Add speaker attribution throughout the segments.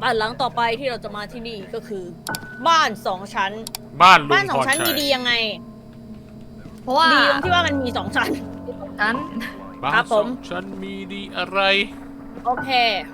Speaker 1: บ้านหลังต่อไปที่เราจะมาที่นี่ก็คือ บ้านสองชั้น
Speaker 2: บ้านลุ
Speaker 1: บ้าน
Speaker 2: ง
Speaker 1: ส
Speaker 2: พ
Speaker 1: อง
Speaker 2: ร
Speaker 1: ชั้น
Speaker 2: ชั
Speaker 1: มี
Speaker 2: ย
Speaker 1: ดียังไง
Speaker 3: เพราะว่า
Speaker 1: ดีตรงที่ว่ามันมีสองชั้น
Speaker 3: นั้น
Speaker 2: บ้าน
Speaker 1: ครับ
Speaker 2: ส
Speaker 1: ผ
Speaker 2: อ
Speaker 1: ม
Speaker 2: งชั้นมีดีอะไร
Speaker 1: โอเค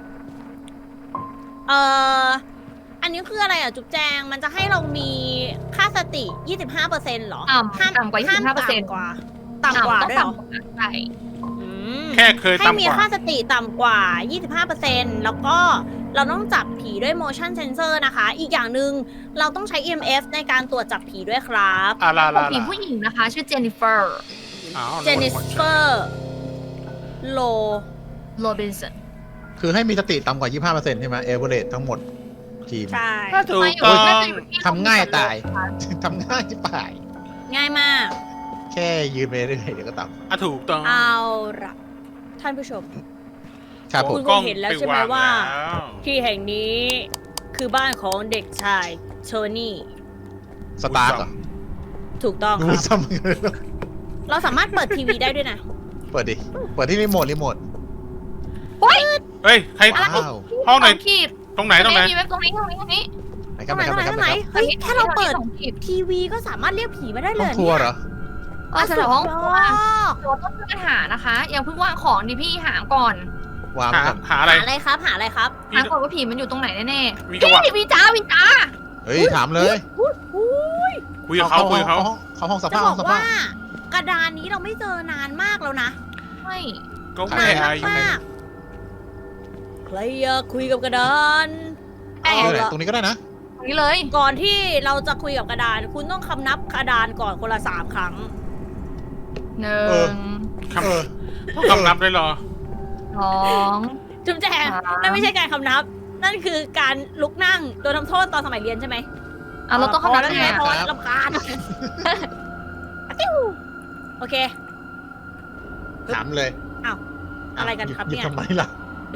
Speaker 1: เอ่อ อันนี้คืออะไรอ่ะ จุ๊บแจง มันจะให้เรามีค่าสติ 25%เหรอ
Speaker 3: ต่ำกว่า
Speaker 1: ห้าม
Speaker 3: 25%
Speaker 1: ต่ำกว่า
Speaker 3: ต้อง
Speaker 1: ด้วยเหรอ
Speaker 3: ต่ำกว่าใช่
Speaker 1: อืม
Speaker 2: แค่เคย
Speaker 1: ให้
Speaker 2: ต่ำ
Speaker 1: มี
Speaker 2: กว่า
Speaker 1: ค่าสติต่ำกว่า 25%แล้วก็เราต้องจับผีด้วย motion sensor นะคะ อีกอย่างหนึ่งเราต้องใช้ EMF ในการตรวจจับผีด้วยครับ
Speaker 2: อาลาลา
Speaker 3: ผีผู้หญิงนะคะ ชื่อเจนนิเฟอร์
Speaker 2: อ้าว
Speaker 1: เจนนิเฟอร์โล
Speaker 3: โรบินสัน
Speaker 4: คือให้มีสติต่ำกว่า 25%ใช่ไหมเอเวอเรสทั้งหมดทีม
Speaker 1: ใช่
Speaker 2: ถูก
Speaker 3: มาอยู่
Speaker 2: ต้อง
Speaker 3: น่าจะอยู่ที่
Speaker 4: ทำง่ายตาย ทำง่ายที่ป่าย
Speaker 1: ง่ายมาก
Speaker 4: แค่ยืนไปเรื่อยๆเดี๋ยวก็ต่
Speaker 2: อ่ะถูกต้อง
Speaker 1: เอาละท่านผู้ชม
Speaker 4: ำครับผ
Speaker 1: คุ
Speaker 4: ม
Speaker 1: ณ คงเห็นแล้วใช่ไหมว่า
Speaker 2: แล้ว
Speaker 1: ที่แห่งนี้คือบ้านของเด็กชายโทนี่
Speaker 4: สตาร์ทเหรอ
Speaker 1: ถูกต้องค
Speaker 4: ดู
Speaker 1: รับ
Speaker 4: ซ้ำกันเลย
Speaker 1: เราสามารถเปิดทีวีได้ด้วยนะ
Speaker 4: เปิดดิ เปิดที่รีโมท
Speaker 2: เฮ้ย ใคร
Speaker 4: ว้าว
Speaker 2: ห้องไหน
Speaker 3: สขีด
Speaker 2: ตรงไหนตรงไหน
Speaker 3: มีเว็บตรงนี้ตรงนี้ตรงนี้
Speaker 4: ไหนค
Speaker 1: ตร
Speaker 4: รับ
Speaker 1: ง
Speaker 4: ไห
Speaker 1: ไห
Speaker 4: น
Speaker 1: น
Speaker 4: ครับ
Speaker 1: ต
Speaker 4: ไห
Speaker 1: ร
Speaker 4: น
Speaker 1: ง
Speaker 4: ครับ
Speaker 1: ไหนตรงไหนเฮ้ยแค่เราเปิด
Speaker 3: สองขีด
Speaker 1: ทีวีก็สามารถเรียกผีมาได้
Speaker 4: ห้
Speaker 1: เล
Speaker 4: อง
Speaker 1: ย
Speaker 4: ครัวเหรอ
Speaker 3: สำหรับห้องครัว
Speaker 1: อ๋อ
Speaker 3: เราต้องช่วยกันหานะคะอย่าเพิ่งวางของดิพี่หาก่อน
Speaker 4: วาง
Speaker 2: หา
Speaker 4: ก่อน
Speaker 2: หาอะไร
Speaker 1: หาอะไรครับหาอะไรครับ
Speaker 3: หาก่อนว่าผีมันอยู่ตรงไหนแน่
Speaker 2: มี
Speaker 3: ๆ
Speaker 2: จังหวะ
Speaker 3: พี่วิจ้าวิจ้า
Speaker 4: เฮ้ย ถามเลย
Speaker 2: คุยกับเขาคุยกับเขา
Speaker 4: เขาห้องส
Speaker 1: จะ
Speaker 4: ภาพ
Speaker 1: บ
Speaker 4: ห้
Speaker 1: อ
Speaker 4: อก งสภา
Speaker 1: ว่า
Speaker 4: พ
Speaker 1: กระดานนี้เราไม่เจอนานมากแล้วนะ
Speaker 3: ใช่
Speaker 2: ก็
Speaker 4: ใช่
Speaker 2: ไม่
Speaker 1: นาน
Speaker 2: อายุ
Speaker 1: มากๆใครอยากคุยกับกระดาน
Speaker 3: เอ้ย
Speaker 1: เอา
Speaker 4: ไหน
Speaker 1: ละ
Speaker 4: ตรงนี้ก็ได้นะ
Speaker 3: ตรงนี้เลย
Speaker 1: ก่อนที่เราจะคุยกับกระดาน คุณต้องคำนับกระดานก่อนคนละ3 ครั้ง
Speaker 3: หนึ่
Speaker 4: เออ
Speaker 3: ง
Speaker 4: เออ
Speaker 2: คำนับได้เหรอ
Speaker 3: สอง
Speaker 1: จุ๊บแจง
Speaker 3: ครับ
Speaker 1: นั่นไม่ใช่การคำนับ นั่นคือการลุกนั่งโดนทำโทษตอนสมัยเรียนใช่ไหม
Speaker 3: อ่ะเราต้องคำนับ
Speaker 1: แล้ว
Speaker 3: ยังไง
Speaker 1: ไง
Speaker 3: อะ
Speaker 1: เพราะว่าลำคาญติ้วโอเค
Speaker 4: ถามเลย
Speaker 1: อ้าวอะไรกันครับ
Speaker 4: หยิ
Speaker 1: เนี่ย
Speaker 4: ทำไมล่ะ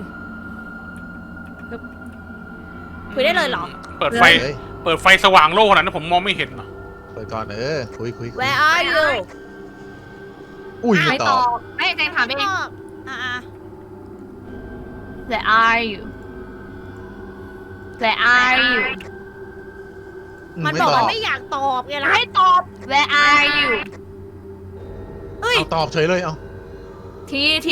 Speaker 1: คุยได้เลยเหรอ
Speaker 2: เปิดไฟ
Speaker 4: เลย
Speaker 2: เปิดไฟสว่างโล่ขนาดนั้นผมมองไม่เห็นเหรอ
Speaker 4: เปิดก่อนคุย
Speaker 1: Where are you
Speaker 4: อุ้ยไม่
Speaker 3: ไม่
Speaker 4: ต
Speaker 3: ต
Speaker 4: อ
Speaker 3: อบ บไม่แจงถามเอง
Speaker 1: อ่า
Speaker 3: Where are you Where are you
Speaker 1: มัน
Speaker 4: ไม่
Speaker 1: บอก
Speaker 4: ตอ
Speaker 1: ว่า
Speaker 4: บ
Speaker 1: ไม่อยากตอบไงล่ะ
Speaker 3: ให้ตอบ Where are you
Speaker 1: เฮ้ย
Speaker 4: เอาตอบเฉยเลยเอา
Speaker 3: ที
Speaker 1: ที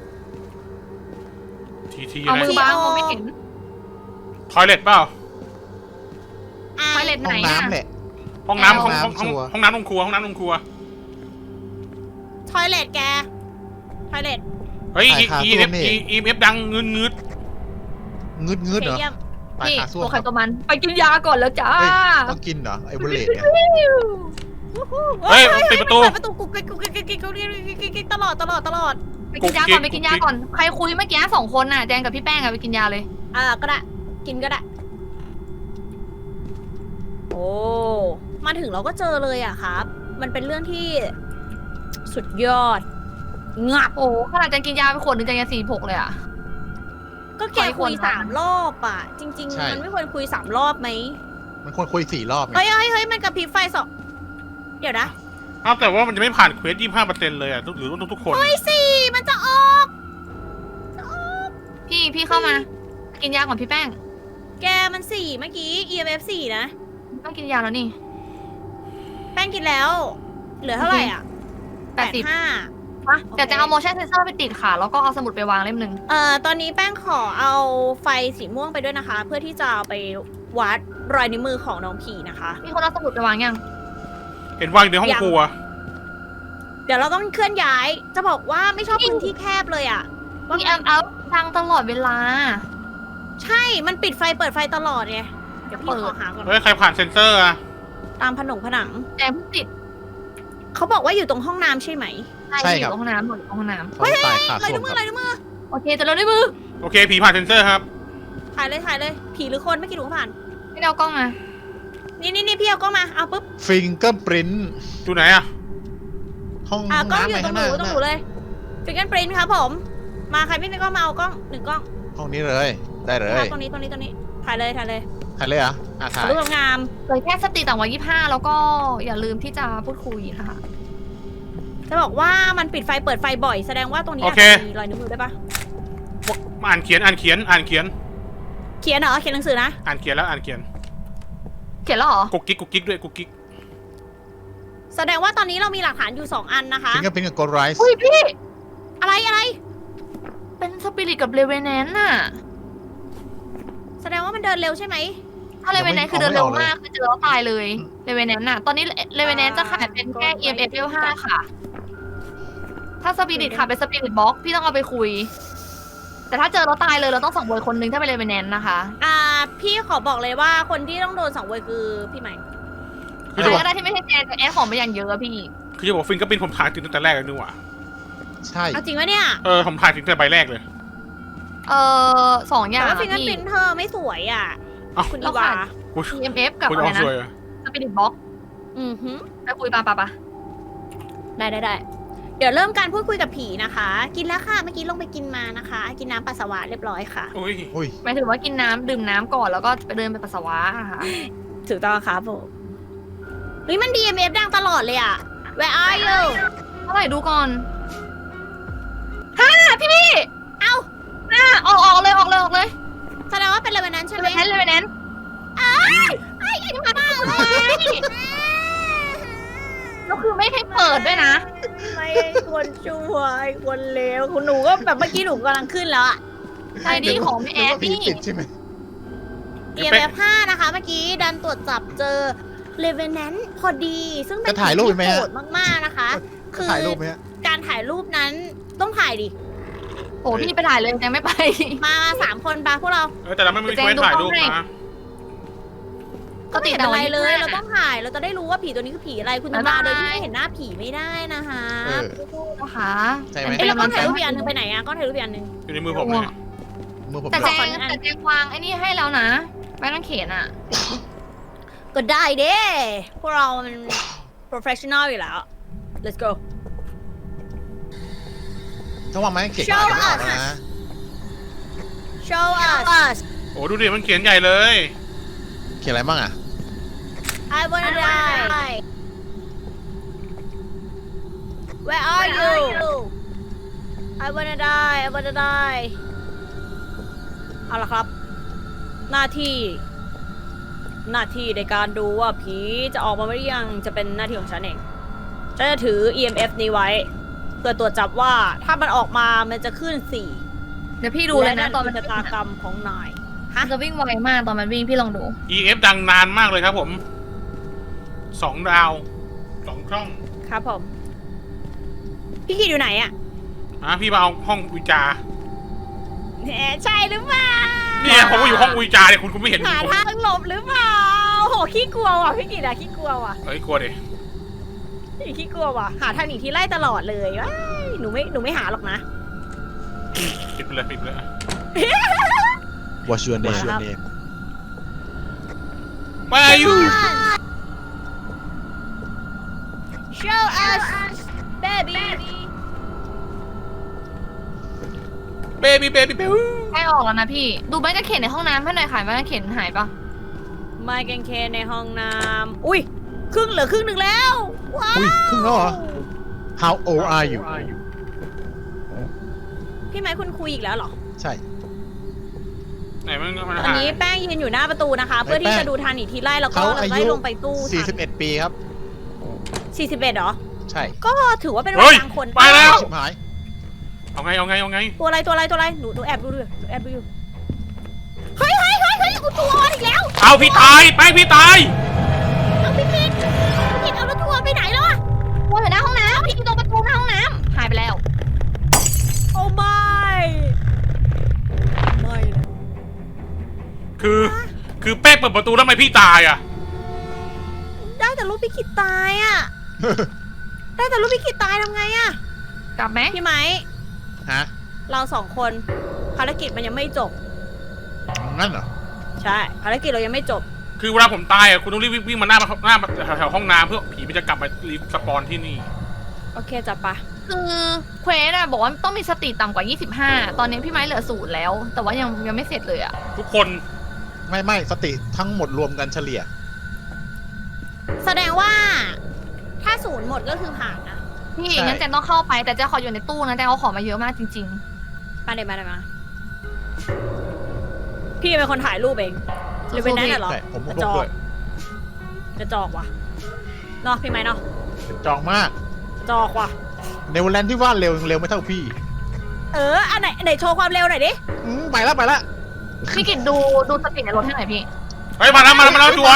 Speaker 2: ที
Speaker 3: เอา
Speaker 2: อะไร
Speaker 3: มือบังมองไม่เห็น
Speaker 2: ทอยเล็ตเปล่า
Speaker 3: ไฟเล็ตไห
Speaker 4: ห้
Speaker 3: น
Speaker 4: อง
Speaker 3: อะ
Speaker 4: น้ำแหละ
Speaker 2: ห้องน้ำ
Speaker 4: ห้
Speaker 2: ห้
Speaker 4: อ
Speaker 2: อง ง
Speaker 4: น้ำชัวร์
Speaker 2: ห้องน้ำห้องครัวห้องน้ำห้องครัว
Speaker 1: ทอยเลทแกทอยเลท
Speaker 2: เฮ้ย
Speaker 4: ถ่ายขา
Speaker 2: อี
Speaker 4: ส้ว
Speaker 2: เอ
Speaker 4: ม
Speaker 2: ฟ
Speaker 4: นี่
Speaker 2: อีเอฟดังเงืด
Speaker 4: งึดเหรอ
Speaker 1: เยี่ยม
Speaker 4: ตาย
Speaker 3: นี่
Speaker 4: ขาส้วม
Speaker 3: ตัวใค
Speaker 4: ค
Speaker 3: ร
Speaker 4: รับ
Speaker 3: ตัวมันไปกินยาก่อนแล้วจ้า
Speaker 4: เฮ้ยต้องกินเหรอไอเวอร์เรสเนี่ย
Speaker 2: เฮ้ยปิดประตู
Speaker 1: เปิดประตูกุ๊กกิ๊กกุ๊กกิ๊กกุ๊กกิ๊กกุ๊กกิ๊กตลอด
Speaker 3: ไปกินยาก่อนไปกินยาก่อน ใครคุยเมื่อกี้2 คนน่ะแจงกับพี่แป้งอะไปกินยาเลย
Speaker 1: ก็ได้ กินก็ได้ โอ้มาถึงเราก็เจอเลยอะครับ มันเป็นเรื่องที่สุดยอด งับ
Speaker 3: โอ้ขนาดแจงกินยาไปขวดหนึงแจงยัง46เลยอะ
Speaker 1: ก็แก
Speaker 3: ไม่ค
Speaker 1: คุ
Speaker 3: วร
Speaker 1: ย
Speaker 3: ทำ
Speaker 1: 3 รอบอะจริง ๆ มันไม่ควรคุย3 รอบไหม
Speaker 4: มันควรคุย4 รอบไง
Speaker 1: เฮ้ยมันกระพริบไฟสองเดี๋ยวนะ
Speaker 2: อ้าวแต่ว่ามันจะไม่ผ่านเควส25%เลยอ่ะหรือทุกคน
Speaker 1: เฮ้ยสี่มันจะออก
Speaker 3: พี่เข้ามา กินยาก่อนพี่แป้ง
Speaker 1: แกมันสี่เมื่อกี้ EMF 4นะ
Speaker 3: ต้องกินยาแล้วนี่
Speaker 1: แป้งกินแล้ว เหลือเท่าไหร่อ่ะ
Speaker 3: 80
Speaker 1: 85
Speaker 3: มาเดี๋ยวแจงเอา motion sensor ไปติดค่ะ แล้วก็เอาสมุดไปวางเล่มหนึ่ง
Speaker 1: ตอนนี้แป้งขอเอาไฟสีม่วงไปด้วยนะคะ เพื่อที่จะเอาไปวัดรอยนิ้วมือของน้องผีนะคะ
Speaker 3: มีคนเอาสมุดไปวางยัง
Speaker 2: เห็นวางอยู่ในห้องครัว
Speaker 1: เดี๋ยวเราต้องเคลื่อนย้าย จะบอกว่าไม่ชอบพื้นที่แคบเลยอ่ะว่า
Speaker 3: มีแอมเอาดังตลอดเวลา
Speaker 1: ใช่ มันปิดไฟเปิดไฟตลอดไง เดี๋ยวพี่ขอหาก่อน
Speaker 2: เฮ้ยใครผ่านเซ็นเซอร์อ่ะ
Speaker 1: ตามผนัง
Speaker 3: แจงเพิ่งติด
Speaker 1: เขาบอกว่าอยู่ตรงห้องน้ำใช่ไหม
Speaker 3: ใช่อยู่ห้องน้ำหมดห้องน้
Speaker 4: เพราะตายขา
Speaker 1: ลาย
Speaker 4: ส้ว
Speaker 1: นิ้
Speaker 4: ม
Speaker 1: วมื
Speaker 4: ค
Speaker 1: อ
Speaker 4: รับ
Speaker 1: ลายนิ้วมือ
Speaker 3: ำโอเคจะเราได้มือ
Speaker 2: โอเคผีผ่านเซ็นเซอร์ครับ
Speaker 1: ถ่ายเลย ผีหรือคนไม่กี่ดูก็ผ่าน
Speaker 3: ไม่ได้เอากล้องมา
Speaker 1: นี่พี่เอากล้องมา เอาปุ๊บ
Speaker 4: ฟิงเกอร์ปรินต์
Speaker 2: อยู่ไหนอ่ะ
Speaker 4: ห้อง
Speaker 1: กล้อง
Speaker 4: น้ำ
Speaker 1: อยู่
Speaker 4: ไป
Speaker 1: ตร
Speaker 4: ข้าง งห
Speaker 1: ห
Speaker 4: น้า
Speaker 1: นูตรงหนูเลยฟิงเกิลปรินท์ครับผม มาใครไม่มีกล้องมาเอากล้อง1 กล้อง
Speaker 4: ห้องนี้เลย ได้เลย
Speaker 1: ครับตรงนี้ถ่ายเลย
Speaker 4: ถ่ายเลยเหรอถ่าย
Speaker 1: รูปงาม
Speaker 3: เลยแค่สติต่ำกว่า25แล้วก็อย่าลืมที่จะพูดคุยนะคะ
Speaker 1: จะบอกว่ามันปิดไฟเปิดไฟบ่อยแสดงว่าตรงนี้
Speaker 2: โอ
Speaker 1: อาจ
Speaker 2: เค
Speaker 1: จะมีรอยนิ้วมือได้ปะ
Speaker 2: อ่านเขียน
Speaker 1: เขียนเหรอเขียนหนังสือนะ
Speaker 2: อ่านเขียนแล้วอ่านเขียน
Speaker 3: เขียนแล้วเหรอ
Speaker 2: กุ๊กกิ๊กกุ๊กกิ๊กด้วยกุ๊กกิ๊ก
Speaker 1: แสดงว่าตอนนี้เรามีหลักฐานอยู่ 2 อันนะคะ
Speaker 4: ฟิงเกอร์พิ้นกับโกลไรส์
Speaker 3: อุ้ยพี่
Speaker 1: อะไร
Speaker 3: เป็นสปิริตกับเลเวนแนนน่ะ
Speaker 1: แสดงว่ามันเดินเร็วใช่ไหม
Speaker 3: ถ้าเลเวนแนนคือเดินเร็วมากคือเจอแล้วตายเลยเลเวนแนนน่ะ ตอนนี้เลเวนแนนจะขายเป็นแค่ EMF level 5ค่ะ ถ้าสปิริตค่ะเป็นสปิริตบ็อกพี่ต้องเอาไปคุย แต่ถ้าเจอแล้วตายเลยเราต้องส่งโวยคนนึงถ้าเป็นเลเวนแนนนะคะ
Speaker 1: พี่ขอบอกเลยว่าคนที่ต้องโดนสังเวยคือพี่ใหม่
Speaker 2: คือ
Speaker 3: ใค
Speaker 2: จะ
Speaker 3: ร
Speaker 2: บอก
Speaker 3: ก็ได้ที่ไม่ใช่แจนแต่แอดของไปอย่างเยอะอะพี่
Speaker 2: คือจะบอกฟิงเก็เป็นผมถ่ายติดตั้งแต่แรกเลยนึกว่า
Speaker 4: ใช่
Speaker 1: เอาจริงวะเนี่ย
Speaker 2: ผมถ่ายติดตั้งแต่ใบแรกเลย
Speaker 3: 2 อย่า
Speaker 1: แต่
Speaker 3: ง
Speaker 1: ว่าฟิงเกอ
Speaker 3: อะ
Speaker 1: ร์
Speaker 3: พี่
Speaker 1: พินเธอไม่สวยอ่ะ
Speaker 2: เอ้า
Speaker 1: คุณอีวา
Speaker 2: คุณ
Speaker 3: EMF กับ
Speaker 2: คุณ
Speaker 3: อะไร
Speaker 2: เอา
Speaker 3: นะ
Speaker 2: สวยอะ
Speaker 3: สปิริตบ็อก
Speaker 1: อือหือ
Speaker 3: ไปคุยปะ
Speaker 1: ได้ เดี๋ยวเริ่มการพูดคุยกับผีนะคะ กินแล้วค่ะ เมื่อกี้ลงไปกินมานะคะ กินน้ำปัสสาวะเรียบร้อยค่ะ
Speaker 2: อุ้ย
Speaker 4: อุ้ย
Speaker 3: หมายถึงว่ากินน้ำดื่มน้ำก่อนแล้วก็ไปเดินไปปัสสาวะนะคะ
Speaker 1: ถูกต้องครับผมเฮ้ยมัน DMF ดังตลอดเลยอ่ะ Where are you
Speaker 3: เท่าไหร่ดูก่อน5พี่
Speaker 1: เอ้า
Speaker 3: ออกเลย
Speaker 1: แสดงว่าเป็นอะไรแบบนั้นใช่ไหม
Speaker 3: เลเวนแนน
Speaker 1: ไอ้ที่มาบ้าเลย
Speaker 3: แล้วคือไม่ให้เปิดด้วยนะ
Speaker 1: ไม่ควรช่วยควรเลวคุณหนูก็แบบเมื่อกี้หนูกำลังขึ้นแล้วอะ
Speaker 3: ใช่ดีของพี่แอด
Speaker 4: พี่
Speaker 3: นี่
Speaker 4: ติดใช่ไหม
Speaker 1: EMF 5นะคะ เมื่อกี้ดันตรวจจับเจอ Revenant พอดี ซึ่งเป็น
Speaker 4: จะถ่ายรูปไหม
Speaker 1: ที่
Speaker 4: ฮะ
Speaker 1: โหดมากๆนะคะ คือ
Speaker 4: ถ่ายรูปไหมฮะ
Speaker 1: การถ่ายรูปนั้นต้องถ่ายดิ
Speaker 3: โอ้พี่ไปถ่ายเลยยังไม่ไป
Speaker 1: มา3 คนปะพวกเรา
Speaker 2: แต่เราไม่มีเควสถ่ายรูปนะ
Speaker 1: ก็ไม่เห็นอะไรเลย เราต้องถ่าย เราจะได้รู้ว่าผีตัวนี้คือผีอะไร คุณจะมาโดยที่ไม่เห็นหน้าผีไม่ได้นะคะ
Speaker 4: เออ
Speaker 3: นะคะ
Speaker 4: ใช่ไหม
Speaker 1: เอ้ยแล้วก็ถ่ายรูปอีกอันหนึงไปไหนอะก็ถ่ายรูปอีกอันหนึง
Speaker 2: อยู่ในมือผมเลย
Speaker 4: มือผม
Speaker 3: แต่
Speaker 4: ด้วย
Speaker 3: แจงวางไอ้นี่ให้แล้วนะแม่ต้องเขียนอ่ะ
Speaker 1: ก็ได้เด้พวกเรามัน professional อยู่แล้ว let's go
Speaker 4: ถ้าวางไม้เขียนก็อ่านไม่ออกแล้วนะ
Speaker 1: show us
Speaker 2: โอ้ดูดิมันเขียนใหญ่เลย
Speaker 4: เขียนอะไรบ้างอ่ะ
Speaker 1: I wanna die Where are you I wanna die เอาละครับ หน้าที่ในการดูว่าผีจะออกมาหรือยังจะเป็นหน้าที่ของฉันเองฉันจะถือ EMF นี้ไว้ เพื่อตรวจจับว่าถ้ามันออกมามันจะขึ้น4
Speaker 3: เดี๋ยวพี่ดูเลยนะตอนมัน
Speaker 1: ชะตากรรมของนาย
Speaker 3: มันจะวิ่งไวมากตอนมันวิ่งพี่ลองดู
Speaker 2: EF ดังนานมากเลยครับผม2 ดาว 2 ช่อง
Speaker 1: ครับผม พี่กิดอยู่ไหนอะ
Speaker 2: พี่มาเอาห้องวิจา
Speaker 1: แหมใช่หรือเปล่า
Speaker 2: เนี่ยผมก็อยู่ห้องวิจาเนี่ยคุณไม่เห็น
Speaker 1: หา
Speaker 2: ผม
Speaker 1: ทางหลบหรือเปล่าโหขี้กลัวว่ะพี่กิดอะขี้กลัวว่ะ
Speaker 2: เฮ้ยกลัวดิ
Speaker 1: พี่ขี้กลัวว่ะหาทางหนีที่ไล่ตลอดเลยว้ายหนูไม่หาหรอกนะ
Speaker 2: ปิดไปเลย
Speaker 4: What's your name
Speaker 1: ครับ
Speaker 2: Where are you
Speaker 1: Show us baby
Speaker 2: baby
Speaker 3: ใกล้ออกแล้วนะพี่ ดูแม่กระเข็นในห้องน้ำให้หน่อยค่ะแม่กระเข็นหายปะ
Speaker 1: ไมค์แกงเคนในห้องน้ำอุ้ยเหลือครึ่งหนึ่งแล้ว ว้า
Speaker 4: อุ้ยว ครึ่งแล้วเหรอ How old are you
Speaker 1: พี่ไม้คุณคุยอีกแล้วเหรอ
Speaker 4: ใช่
Speaker 2: ไหนมัน
Speaker 1: ตอน
Speaker 2: หา
Speaker 1: นี้แป้งยืนอยู่หน้าประตูนะคะ เพื่อที่จะดูทางหนีทีไล่แล้วก็
Speaker 4: เขาอา
Speaker 1: ไล่
Speaker 4: ยุ
Speaker 1: ลงไปตู้
Speaker 4: 41 ปีครับ
Speaker 1: 41เหรอ
Speaker 4: ใช่
Speaker 1: ก็ถือว่าเป็นวั
Speaker 2: เฮ้
Speaker 1: ย
Speaker 2: ย
Speaker 1: กลางคน
Speaker 2: ไปแล้ว
Speaker 4: ชิบหาย
Speaker 2: เอาไง
Speaker 1: ตัวอะไรหนูแอบดูด้วยแอบดูอยู่เฮ้ยกูตัวอ่อนอีกแล้ว
Speaker 2: เอาพี่ตายไปพี่ตาย
Speaker 1: เอาพี่กิดเอาแล้วตัวไปไหนแล้วอะ
Speaker 3: ว่าอยู่หน้าห้องน้ำพี่ตรงประตูหน้าห้องน้ำหายไปแล้ว
Speaker 1: โอ้ไม่นะ
Speaker 2: คือแป้งเปิดประตูแล้วทำไมพี่ตายอ่ะ
Speaker 1: ได้แต่รูปพี่กิดตายอะได้แต่รูปพี่กิดตายทำไงอะ
Speaker 3: กลับไหม
Speaker 1: พี่ไม้
Speaker 4: ฮะ
Speaker 1: เรา2 คนภารกิจมันยังไม่จบ
Speaker 4: งั้นเหรอ
Speaker 1: ใช่ภารกิจเรายังไม่จบ
Speaker 2: คือเวลาผมตายอ่ะคุณต้องรีบวิ่งมาหน้าแถวห้องน้ำเพื่อผีมันจะกลับมารีสปอนที่นี่
Speaker 1: โอเคจับปะ
Speaker 3: คือเควสอะบอกว่าต้องมีสติต่ำกว่า 25 ตอนนี้พี่ไม้เหลือ0แล้ว แต่ว่ายังไม่เสร็จเลยอะ
Speaker 2: ทุกคน
Speaker 4: ไม่สติทั้งหมดรวมกันเฉลี่ย
Speaker 1: แสดงว่า ถ้า0หมดก็คือผ่านนะ
Speaker 3: พี่
Speaker 4: ใช่
Speaker 3: งั้นแจนต้องเข้าไปแต่แจนขออยู่ในตู้นะแจนเอาของมาเยอะมากจริง
Speaker 1: มาเดี๋ยวมาพี่เป็นคนถ่ายรูปเองหรือเป็นแน่นเหรอ
Speaker 4: ใช่ผม
Speaker 1: กระ
Speaker 4: ล
Speaker 1: จ
Speaker 4: บอก ด้วย
Speaker 1: กระจอกว่ะเนาะพี่ไหมเนาะ
Speaker 4: เป็นจองมาก
Speaker 1: กระจอกว่ะ
Speaker 4: เนเวอร์แลนด์ที่ว่าเร็วยังเร็วไม่เท่าพี่
Speaker 1: อันไหนโชว์ความเร็วหน่อยดิ
Speaker 4: ไปแล้ว
Speaker 3: พี่กิตดูสปีดในรถให้หน่อยพี่
Speaker 2: เฮ้ยมาแล้วจวน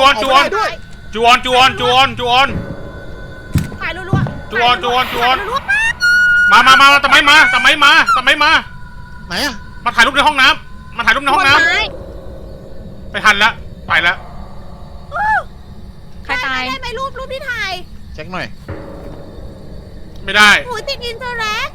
Speaker 1: ถ่ายรัวๆ
Speaker 2: จวน
Speaker 1: ถ่ายรัวๆมาก
Speaker 2: มาทำไมมา
Speaker 4: ไหนอะ
Speaker 2: มาถ่ายรูปในห้องน้ำไปทันแล้วไปแล้ว
Speaker 3: ใครตาย
Speaker 1: ได้ไหมรูปที่ถ่าย
Speaker 4: เช็คหน่อย
Speaker 2: ไม่ได้
Speaker 1: หูติดอินเตอร์แอค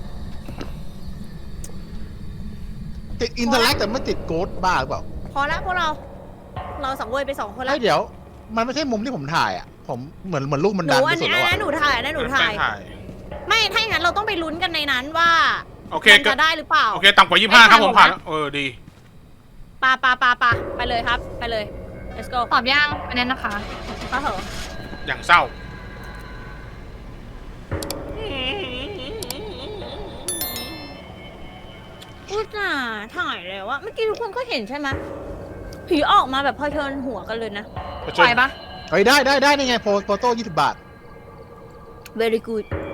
Speaker 4: ติดอินเทอร์แลกแต่ไม่ติดโกดบ้าหรือเปล่า
Speaker 1: พอละพวกเราสังเวยไป2 คนละ
Speaker 4: เฮ้ยเดี๋ยว มันไม่ใช่มุมที่ผมถ่ายอ่ะ ผมเหมือนลูกมัน
Speaker 1: ห
Speaker 4: ดั
Speaker 1: นู
Speaker 4: น
Speaker 1: อั
Speaker 4: ไป
Speaker 1: น
Speaker 4: สุด
Speaker 1: นี้
Speaker 4: แล้ว
Speaker 1: อัน
Speaker 4: อะ
Speaker 1: นั้นหนูถ่ายอันนั้นหนูถ่าย ไม่ถ้าอย่างนั้นเราต้องไปลุ้นกันในนั้นว่า
Speaker 2: โอเค
Speaker 1: มันจะได้หรือเปล่า
Speaker 2: โอเคต่ำกว่า25ครับผมผ่านดี
Speaker 1: ปาไปเลยครับไปเลย let's go
Speaker 3: ตอบย่างไปนั้นนะคะ
Speaker 1: เข้าเถอะ
Speaker 2: อย่างเศร้า
Speaker 1: อุตส่าห์ถ่ายแล้วอะเมื่อกี้ทุกคนก็เห็นใช่ไหมผีออกมาแบบพอเทิร์นหัวกันเลยนะ
Speaker 3: ปล่อยปะ
Speaker 4: เฮ้ยได้นี่ไงโฟโต้20 บาท
Speaker 1: very good